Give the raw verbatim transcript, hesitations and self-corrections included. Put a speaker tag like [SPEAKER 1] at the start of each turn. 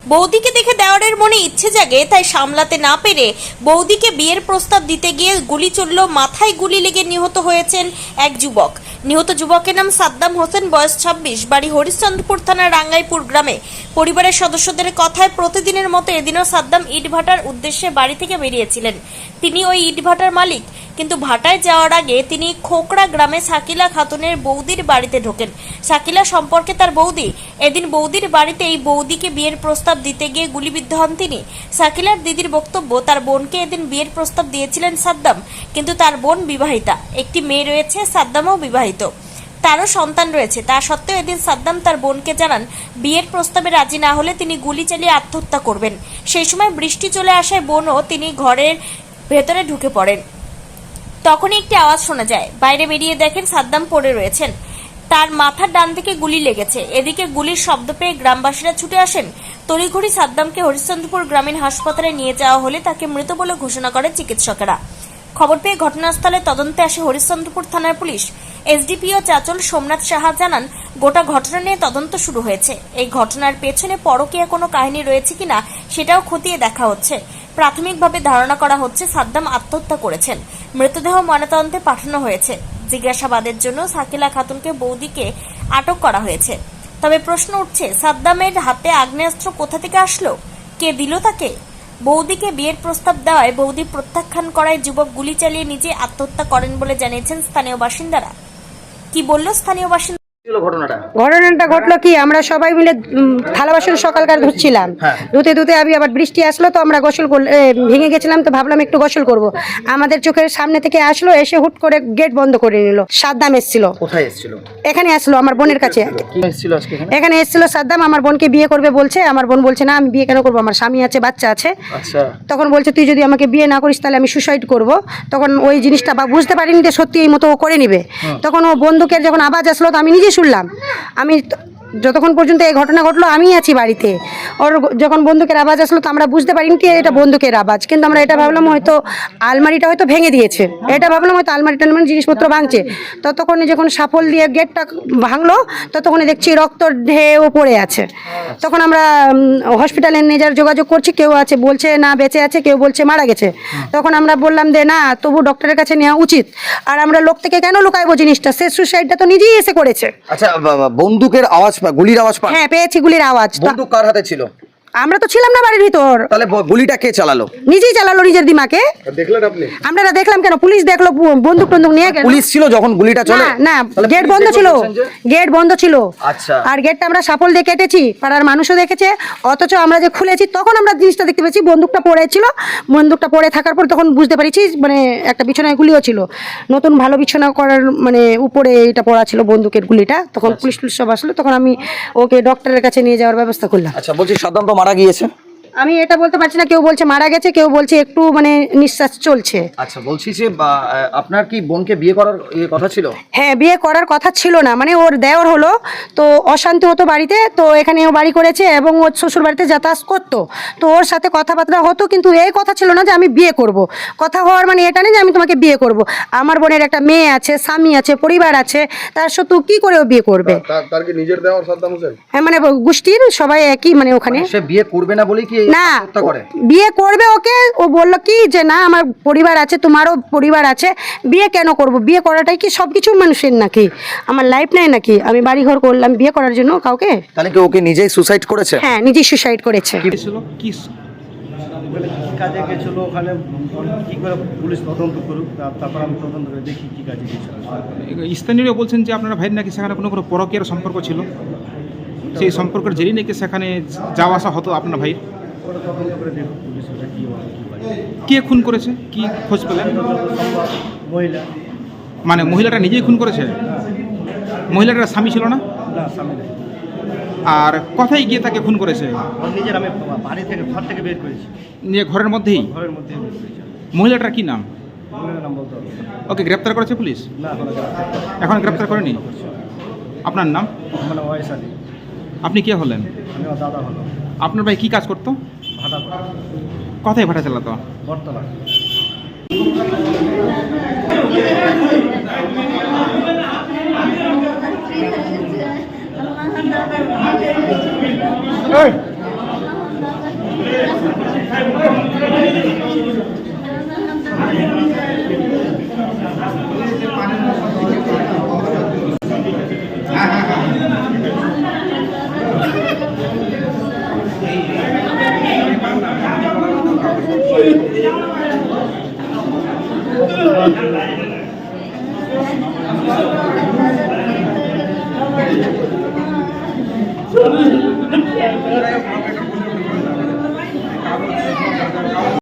[SPEAKER 1] বৌদিকে দেখে দেওয়ারের মনে ইচ্ছে জাগে, তাই সামলাতে না পেরে বৌদিকে বিয়ের প্রস্তাব দিতে গিয়ে গুলি চলল, মাথায় গুলি লেগে নিহত হয়েছেন এক যুবক। নিহত যুবকের নাম সাদ্দাম হোসেন, বয়স ছাব্বিশ, বাড়ি হরিশ্চন্দ্রপুর থানার রাঙ্গাইপুর গ্রামে। পরিবারের সদস্যদের কথায় প্রতিদিনের মতো এদিনও সাদ্দাম ইটভাটার উদ্দেশ্যে বাড়ি থেকে বেরিয়েছিলেন। তিনি ওই ইটভাটার মালিক, কিন্তু ভাটায় যাওয়ার আগে তিনি খোকড়া গ্রামে শাকিলা খাতুনের বৌদির বাড়িতে ঢোকেন। শাকিলা সম্পর্কে তার বৌদি। এদিন বৌদির বাড়িতে এই বৌদিকে বিয়ের প্রস্তাব দিতে গিয়ে গুলিবিদ্ধ হন তিনি। শাকিলার দিদির বক্তব্য, তার বোনকে এদিন বিয়ের প্রস্তাব দিয়েছিলেন সাদ্দাম, কিন্তু তার বোন বিবাহিতা, একটি মেয়ে রয়েছে, সাদ্দামও বিবাহিত, তারও সন্তান রয়েছে। তা সত্ত্বেও এদিন সাদ্দাম তার বোনকে জানান বিয়ের প্রস্তাবে রাজি না হলে তিনি গুলি চালিয়ে আত্মহত্যা করবেন। সেই সময় বৃষ্টি চলে আসায় বোনও তিনি ঘরের ভেতরে ঢুকে পড়েন। তখনই একটি আওয়াজ শোনা যায়, বাইরে বেরিয়ে দেখেন সাদ্দাম পড়ে রয়েছেন, তার মাথার ডান দিকে গুলি লেগেছে। এদিকে গুলির শব্দ পেয়ে গ্রামবাসীরা ছুটে আসেন। তড়িঘড়ি সাদ্দামকে হরিশ্চন্দ্রপুর গ্রামীণ হাসপাতালে নিয়ে যাওয়া হলে তাকে মৃত বলে ঘোষণা করে চিকিৎসকেরা। খবর পেয়ে ঘটনাস্থলে তদন্তে আসে হরিশ্চন্দ্রপুর থানার পুলিশ। এসডিপিও চাচল সোমনাথ সাহা জানান, গোটা ঘটনা নিয়ে তদন্ত শুরু হয়েছে। এই ঘটনার পেছনে পরকীয়া কোনো কাহিনী রয়েছে কিনা সেটাও খতিয়ে দেখা হচ্ছে। প্রাথমিকভাবে ধারণা করা হচ্ছে সাদ্দাম আত্মহত্যা করেছেন। মৃতদেহ ময়নাতদন্তে পাঠানো হয়েছে। জিজ্ঞাসাবাদের জন্য শাকিলা খাতুনকে বৌদিকে আটক করা হয়েছে। তবে প্রশ্ন উঠছে, সাদ্দামের হাতে আগ্নেয়াস্ত্র কোথা থেকে আসলো? কে দিল তাকে? বৌদিকে বিয়ের প্রস্তাব দেওয়ায় বৌদি প্রত্যাখ্যান করায় যুবক গুলি চালিয়ে নিজে আত্মহত্যা করেন বলে জানিয়েছেন স্থানীয় বাসিন্দারা। কি বলল স্থানীয় বাসিন্দা?
[SPEAKER 2] ঘটনাটা ঘটলো কি, আমরা সবাই মিলে থালা বাসন সকালকার ধুচ্ছিলাম, ধুতে ধুতে আমি আবার বৃষ্টি আসলো, তো আমরা গোসল ভেঙে গেছিলাম, তো ভাবলাম একটু গোসল করব। আমাদের চোখের সামনে থেকে আসলো, এসে হুট করে গেট বন্ধ করে নিল। সাদ্দাম এসেছিল।
[SPEAKER 3] কোথায় এসেছিল?
[SPEAKER 2] এখানে আসলো আমার বোনের কাছে। এখানে এসেছিল সাদ্দাম, আমার বোনকে বিয়ে করবে বলছে। আমার বোন বলছে না, আমি বিয়ে কেন করবো, আমার স্বামী আছে, বাচ্চা আছে। তখন বলছে তুই যদি আমাকে বিয়ে না করিস তাহলে আমি সুসাইড করব। তখন ওই জিনিসটা বা বুঝতে পারিনি যে সত্যি এই মতো ও করে নিবে। তখন ও বন্দুকের যখন আওয়াজ আসলো, তো আমি নিজে শুনলাম। আমি যতক্ষণ পর্যন্ত এই ঘটনা ঘটলো আমি আছি বাড়িতে। ওর যখন বন্দুকের আওয়াজ আসলো, তো আমরা বুঝতে পারিনি কি এটা বন্দুকের আওয়াজ, কিন্তু আমরা এটা ভাবলাম হয়তো আলমারিটা হয়তো ভেঙে দিয়েছে। এটা ভাবলাম হয়তো আলমারিটা মানে জিনিসপত্র ভাঙছে। ততক্ষণে যখন সাফল দিয়ে গেটটা ভাঙলো, ততক্ষণে দেখছি রক্ত ঢেউ পড়ে আছে। তখন আমরা হসপিটালে নিয়ে যাওয়ার যোগাযোগ করছি, কেউ আছে বলছে না বেঁচে আছে, কেউ বলছে মারা গেছে। তখন আমরা বললাম যে না, তবু ডক্টরের কাছে নেওয়া উচিত। আর আমরা লোক থেকে কেন লুকাইবো জিনিসটা, সে সুসাইডটা তো নিজেই এসে করেছে।
[SPEAKER 3] আচ্ছা, বন্দুকের আওয়াজ, গুলির আওয়াজ পান?
[SPEAKER 2] হ্যাঁ পেয়েছি, গুলির আওয়াজ।
[SPEAKER 3] বন্দুক কার হাতে ছিল?
[SPEAKER 2] আমরা তো ছিলাম না বাড়ির ভিতর।
[SPEAKER 3] তাহলে গুলিটা কে চালালো?
[SPEAKER 2] নিজেই চালালো নিজের দিমাকে।
[SPEAKER 3] দেখলেন আপনি?
[SPEAKER 2] আমরা দেখলাম কেন, পুলিশ দেখলো বন্দুক টন্দুক নিয়ে গেল।
[SPEAKER 3] পুলিশ ছিল যখন গুলিটা চলে?
[SPEAKER 2] না, গেট বন্ধ ছিল, গেট বন্ধ ছিল।
[SPEAKER 3] আচ্ছা।
[SPEAKER 2] আর গেটটা আমরা সাফল দিয়ে কেটেছি, পাড়ার মানুষও দেখেছে। অথচ আমরা যে খুলেছি তখন আমরা জিনিসটা দেখতে পেয়েছি, বন্দুকটা পড়ে ছিল। বন্দুকটা পড়ে থাকার পর তখন বুঝতে পারছি মানে একটা বিছানায় গুলিও ছিল, নতুন ভালো বিছানা করার মানে উপরে এটা পড়া ছিল বন্দুকের গুলিটা। তখন পুলিশ পুলিশ সব আসলো, তখন আমি ওকে ডক্টরের কাছে নিয়ে যাওয়ার ব্যবস্থা করলাম।
[SPEAKER 3] আচ্ছা, বলছি সাদ্দাম তো মারা গিয়েছে?
[SPEAKER 2] আমি এটা বলতে পারছি না, কেউ বলছে মারা গেছে, কেউ বলছে একটু মানে নিঃশ্বাস চলছে।
[SPEAKER 3] আচ্ছা, বলছি যে আপনার কি বোনকে বিয়ে করার কথা ছিল?
[SPEAKER 2] হ্যাঁ, বিয়ে করার কথা ছিল না, মানে ওর দেওর হলো, তো অশান্তি হতো বাড়িতে, তো এখানে ও বাড়ি করেছে এবং ওর শ্বশুর বাড়িতে যাতায়াত করতো, তো ওর সাথে কথাবার্তা হতো, কিন্তু এই কথা ছিল না যে আমি বিয়ে করব। কথা হওয়ার মানে এটা নেই যে আমি তোমাকে বিয়ে করব। আমার বোনের একটা মেয়ে আছে, স্বামী আছে, পরিবার আছে, তার সত্ত্বেও কি করে ও বিয়ে করবে?
[SPEAKER 4] তার কি নিজের দেওয়ার সাদ্দাম হোসেন?
[SPEAKER 2] হ্যাঁ, মানে গোষ্ঠীর সবাই একই, মানে ওখানে
[SPEAKER 3] সে বিয়ে করবে না বলেই কি
[SPEAKER 2] না বিয়ে করবে ওকে? ও বললো কি যে না, আমার পরিবার আছে, তোমারও পরিবার আছে, বিয়ে কেন করব? বিয়ে করাটাই কি সবকিছু মানুষের নাকি? আমার লাইফ নাই নাকি? আমি বাড়ি ঘর করলাম বিয়ে করার জন্য কাউকে?
[SPEAKER 3] তাহলে কি ওকে নিজেই সুসাইড করেছে?
[SPEAKER 2] হ্যাঁ, নিজেই সুসাইড করেছে।
[SPEAKER 5] কি কি কাজে গেছিল ওখানে, কি করে পুলিশ তদন্ত করুক, তারপর আমি তদন্ত করে দেখি কি কাজে গেছিল।
[SPEAKER 6] স্থানীয়রা বলছেন যে আপনারা ভাই নাকি সেখানে কোনো কোনো পরকীয়ার সম্পর্ক ছিল, সেই সম্পর্কের জেরেই নাকি সেখানে যাওয়া আসা হতো আপনার ভাই। কে খুন করেছে, কি খোঁজ পেলেন?
[SPEAKER 5] মহিলা।
[SPEAKER 6] মানে মহিলাটা নিজেই খুন করেছে? মহিলাটার স্বামী ছিল না? আর কোথায় গিয়ে তাকে খুন করেছে?
[SPEAKER 5] নিজের আমি বাড়ি থেকে ঘর থেকে বের করেছি।
[SPEAKER 6] নিয়ে ঘরের মধ্যেই?
[SPEAKER 5] ঘরের মধ্যেই বের করেছি।
[SPEAKER 6] মহিলাটার কি নাম?
[SPEAKER 5] মহিলার নাম বলতে হবে।
[SPEAKER 6] ওকে গ্রেপ্তার করেছে পুলিশ?
[SPEAKER 5] না,
[SPEAKER 6] এখন গ্রেপ্তার করেনি। আপনার নাম?
[SPEAKER 5] মানে ওয়াইস আলী।
[SPEAKER 6] আপনি কে হলেন?
[SPEAKER 5] আমি দাদা হলো।
[SPEAKER 6] আপনার ভাই কি কাজ করতো?
[SPEAKER 5] ভাড়া।
[SPEAKER 6] কোথায় ভাড়া চালাতো?
[SPEAKER 5] বর্তমান।
[SPEAKER 4] এই
[SPEAKER 7] Thank you.